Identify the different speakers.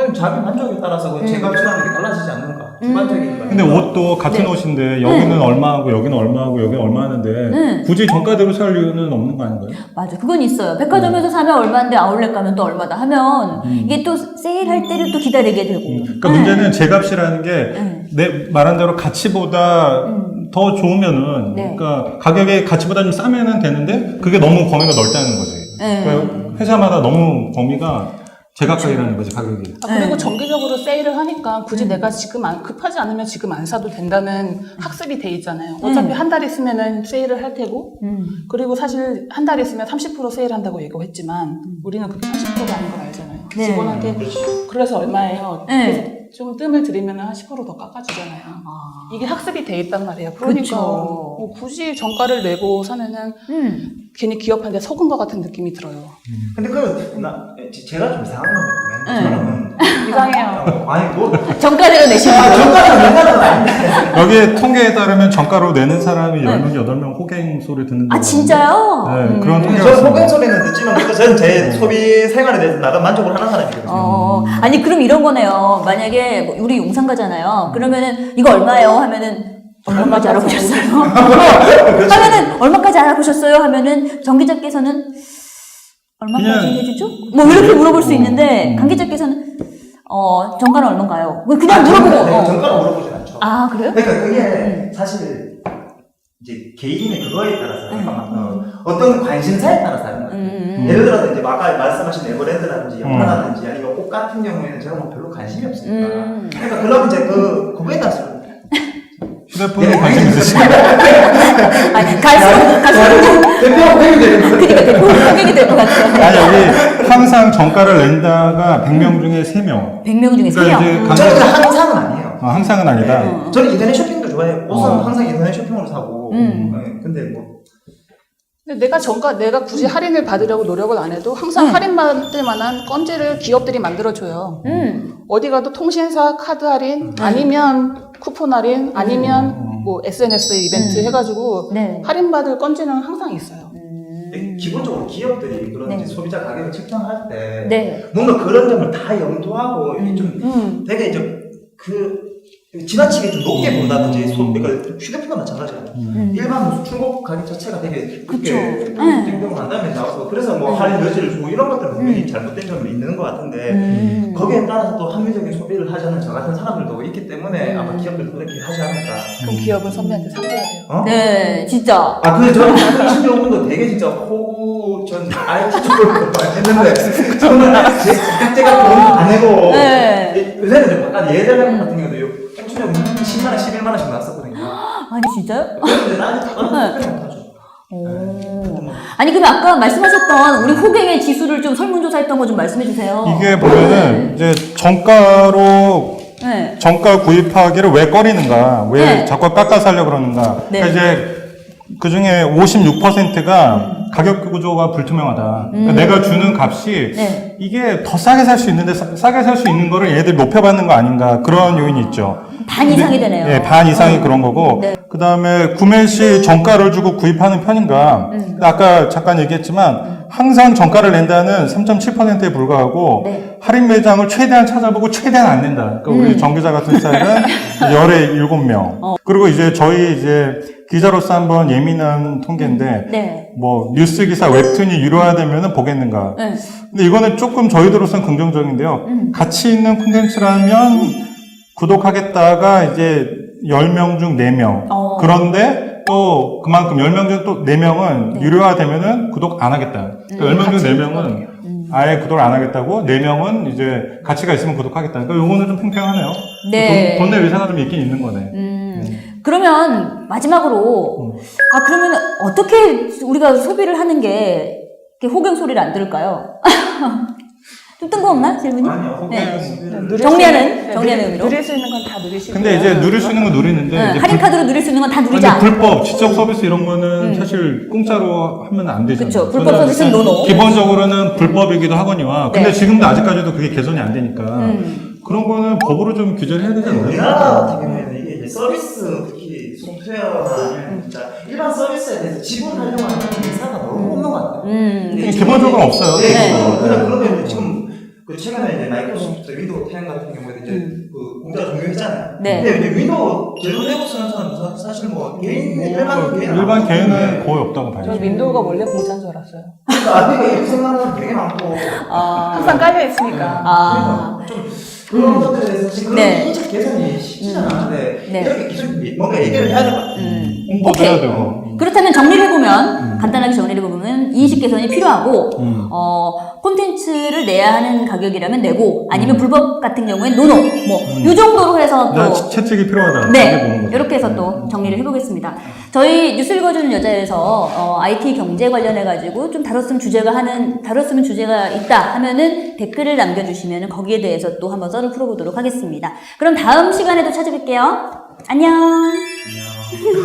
Speaker 1: 그건 자기 만족에 따라서 그 제값이라는 게 달라지지 않는가. 주관적인 거예요.
Speaker 2: 근데 옷도 같은 옷인데 여기는 얼마하고 여기는 얼마하고 여기는 얼마 하는데 굳이 정가대로 살 이유는 없는 거 아닌가요?
Speaker 3: 맞아, 그건 있어요. 백화점에서 사면 얼마인데 아울렛 가면 또 얼마다 하면 이게 또 세일할 때를 또 기다리게 되고.
Speaker 2: 그러니까 문제는 제값이라는 게 내 말한 대로 가치보다 더 좋으면은 그러니까 가격이 가치보다 좀 싸면은 되는데 그게 너무 범위가 넓다는 거지. 그러니까 회사마다 너무 범위가 제각각이라는 거지, 가격이.
Speaker 4: 그리고 정기적으로 세일을 하니까 굳이 내가 지금 급하지 않으면 지금 안 사도 된다는 학습이 돼 있잖아요. 어차피 한 달 있으면은 세일을 할 테고, 그리고 사실 한 달 있으면 30% 세일한다고 얘기를 했지만, 우리는 그게 30%가 아닌 걸 알잖아요.
Speaker 3: 네.
Speaker 4: 직원한테 그래서 얼마예요? 그래서 좀 뜸을 들이면 한 10% 더 깎아주잖아요. 이게 학습이 돼 있단 말이에요. 그러니까 뭐 굳이 정가를 내고 사면은 괜히 기업한테 속은 것 같은 느낌이 들어요.
Speaker 1: 근데 제가 좀 이상한 건데, 저는.
Speaker 4: 이상해요.
Speaker 1: 아니, 뭐.
Speaker 3: 정가대로 내시는 거예요?
Speaker 1: 정가가 내가는 아닌데.
Speaker 2: 여기에 통계에 따르면 정가로 내는 사람이 10명, 8명 호갱 소리 듣는
Speaker 3: 아, 진짜요?
Speaker 2: 네, 그런 통계가
Speaker 1: 저는
Speaker 2: 있습니다.
Speaker 1: 소변 소리는 듣지만, 저는 제 소비 생활에 대해서 나름 만족을 하는 사람이거든요.
Speaker 3: 아니, 그럼 이런 거네요. 만약에 뭐 우리 용산 가잖아요. 그러면은 이거 얼마예요? 하면은 얼마까지 알아보셨어요? 하면은 얼마까지 알아보셨어요? 하면은 전기자께서는 얼마까지
Speaker 2: 그냥-
Speaker 3: 해주죠? 뭐 이렇게 물어볼 수 있는데 관계자께서는 정가는 얼마인가요? 그냥 물어보고.
Speaker 1: 정가는 물어보진 않죠.
Speaker 3: 아, 그래요?
Speaker 1: 그러니까 그게 사실 이제 개인의 그거에 따라서 어떤 관심사에 따라서 하는 거예요. 예를 들어서 이제 아까 말씀하신 에버랜드라든지 영화라든지 아니면 옷 같은 경우에는 제가 뭐 별로 관심이 없으니까. 그러니까 그럼 이제 그거에 따라서
Speaker 2: 휴대폰에 관심 있으시죠?
Speaker 3: 아니, 갈수록
Speaker 1: 대표 회의 되는 거예요.
Speaker 3: 그러니까 대표 고객이 될 것 같아요.
Speaker 2: 아니, 여기 항상 정가를 낸다가 100명 중에 3명.
Speaker 3: 100명 중에 3명.
Speaker 2: 그러니까 이제
Speaker 1: 저는 항상은 아니에요.
Speaker 2: 항상은 아니다.
Speaker 1: 저는 인터넷 쇼핑도 좋아해요. 옷은 항상 인터넷 쇼핑으로 사고. 네, 근데 뭐.
Speaker 4: 근데 내가 굳이 할인을 받으려고 노력을 안 해도 항상 할인받을 만한 건지를 기업들이 만들어줘요. 어디 가도 통신사 카드 할인, 아니면 쿠폰 할인, 아니면 뭐 SNS 이벤트 해가지고
Speaker 3: 네.
Speaker 4: 할인받을 건지는 항상 있어요.
Speaker 1: 기본적으로 기업들이 그런 이제 소비자 가격을 책정할 때
Speaker 3: 네.
Speaker 1: 뭔가 그런 점을 다 염두하고 이게 좀 되게 이제 지나치게 좀 높게 본다든지 그러니까 휴대폰도 마찬가지예요. 일반 무슨 중고 가격 자체가 되게 그렇게 땡땡을 한다음에 나와서 그래서 뭐 할인 여지를 주고 이런 것들은 분명히 잘못된 점이 있는 것 같은데 거기에 따라서 또 합리적인 소비를 하자는 저 같은 사람들도 있기 때문에 아마 기업들도 그렇게 하지 않을까.
Speaker 4: 그럼 기업은 선배한테 상대해야 돼요.
Speaker 1: 어?
Speaker 3: 네, 진짜.
Speaker 1: 근데 저는 20년 되게 진짜 전 IT 쪽으로 많이 했는데 저는 제가 돈 안 내고 요새는 좀 약간 예전 같은 경우도 평균적으로 10만원, 11만원씩 나왔었거든요.
Speaker 3: 아니, 진짜요?
Speaker 1: 근데 나는 특별히 못하죠.
Speaker 3: 아니, 그럼 아까 말씀하셨던 우리 호갱의 지수를 좀 설문조사했던 거 좀 말씀해 주세요.
Speaker 2: 이게 보면은 이제 정가로
Speaker 3: 네.
Speaker 2: 정가 구입하기를 왜 꺼리는가, 왜
Speaker 3: 네.
Speaker 2: 자꾸 깎아 살려고 그러는가.
Speaker 3: 네.
Speaker 2: 그러니까 이제 그 중에 56%가 가격 구조가 불투명하다. 그러니까 내가 주는 값이
Speaker 3: 네.
Speaker 2: 이게 더 싸게 살 수 있는데 싸게 살 수 있는 거를 얘들 높여받는 거 아닌가 그런 요인이 있죠.
Speaker 3: 반 이상이 되네요.
Speaker 2: 예, 반 이상이 그런 거고.
Speaker 3: 네.
Speaker 2: 그 다음에 구매 시 정가를 주고 구입하는 편인가. 아까 잠깐 얘기했지만 항상 정가를 낸다는 3.7%에 불과하고
Speaker 3: 네.
Speaker 2: 할인 매장을 최대한 찾아보고 최대한 안 낸다. 그러니까 우리 정기자 같은 스타일은 열에 7명. 그리고 이제 저희 이제 기자로서 한번 예민한 통계인데
Speaker 3: 네.
Speaker 2: 뭐 뉴스 기사 웹툰이 유료화되면은 보겠는가.
Speaker 3: 네.
Speaker 2: 근데 이거는 조금 저희들로서는 긍정적인데요. 가치 있는 콘텐츠라면 구독하겠다가 이제 10명 중 4명. 그런데 또 그만큼 10명 중 또 4명은 유료화되면은 구독 안 하겠다. 그러니까 10명 중 4명은 아예 구독을 안 하겠다고, 4명은 이제 가치가 있으면 구독하겠다. 그러니까 요거는 좀 팽팽하네요.
Speaker 3: 네.
Speaker 2: 돈 낼 의사가 좀 있긴 있는 거네.
Speaker 3: 그러면 마지막으로 그러면 어떻게 우리가 소비를 하는 게 이렇게 호갱 소리를 안 들을까요? 좀 뜬금없나 질문이?
Speaker 1: 아니요.
Speaker 3: 정리하는 의미로.
Speaker 4: 누릴 수 있는 건 다 누리시고.
Speaker 2: 근데 이제 누릴 수 있는 건 누리는데 이제
Speaker 3: 할인 카드로 누릴 수 있는 건 다
Speaker 2: 근데
Speaker 3: 누리자.
Speaker 2: 불법, 지적 서비스 이런 거는 사실 공짜로 하면 안 되잖아요.
Speaker 3: 그쵸. 불법 서비스는 노노.
Speaker 2: 기본적으로는 불법이기도 하거니와. 근데
Speaker 3: 네.
Speaker 2: 지금도 아직까지도 그게 개선이 안 되니까. 그런 거는 법으로 좀 규제를 해야 되지 않나요?
Speaker 1: 우리나라 같은 경우에는 이게 이제 서비스, 특히 소프트웨어나 아니면 진짜 일반 서비스에 대해서 지불하려고 하는 회사가 너무 없는 것 같아요.
Speaker 2: 기본적으로 없어요.
Speaker 1: 네, 그냥 그러면 지금 그 최근에 이제 마이크로소프트 윈도우 10 같은 경우에 이제 그 공짜로 종료했잖아요.
Speaker 3: 네.
Speaker 1: 근데 이제 윈도우 제로 내고 쓰는 사람은 사실 뭐 개인
Speaker 2: 일반 개인은 거의 없다고 봐요.
Speaker 4: 저는 윈도우가 원래 공짜인 줄 알았어요.
Speaker 1: 그러니까 이렇게 생각하는 사람 되게 많고
Speaker 4: 항상 깔려 있으니까.
Speaker 1: 그러니까 좀 그런 것들에 대해서 지금
Speaker 3: 네.
Speaker 1: 인적 개선이 쉽지 않은데
Speaker 3: 네.
Speaker 1: 이렇게 기술 뭔가 얘기를 해야 될 것 같아요.
Speaker 2: 홍보도
Speaker 3: 오케이.
Speaker 2: 해야 되고.
Speaker 3: 그렇다면 정리를 해보면 간단하게 정리를 해보면 인식 개선이 필요하고 콘텐츠를 내야 하는 가격이라면 내고 아니면 불법 같은 경우엔 노노 뭐 이 정도로 해서
Speaker 2: 나
Speaker 3: 또
Speaker 2: 채찍이 필요하다.
Speaker 3: 네,
Speaker 2: 보는 거죠.
Speaker 3: 이렇게 해서 또 정리를 해보겠습니다. 저희 뉴스 읽어주는 여자에서 IT 경제 관련해가지고 좀 다뤘으면 주제가 있다 하면은 댓글을 남겨주시면 거기에 대해서 또 한번 썰을 풀어보도록 하겠습니다. 그럼 다음 시간에도 찾아뵐게요. 안녕.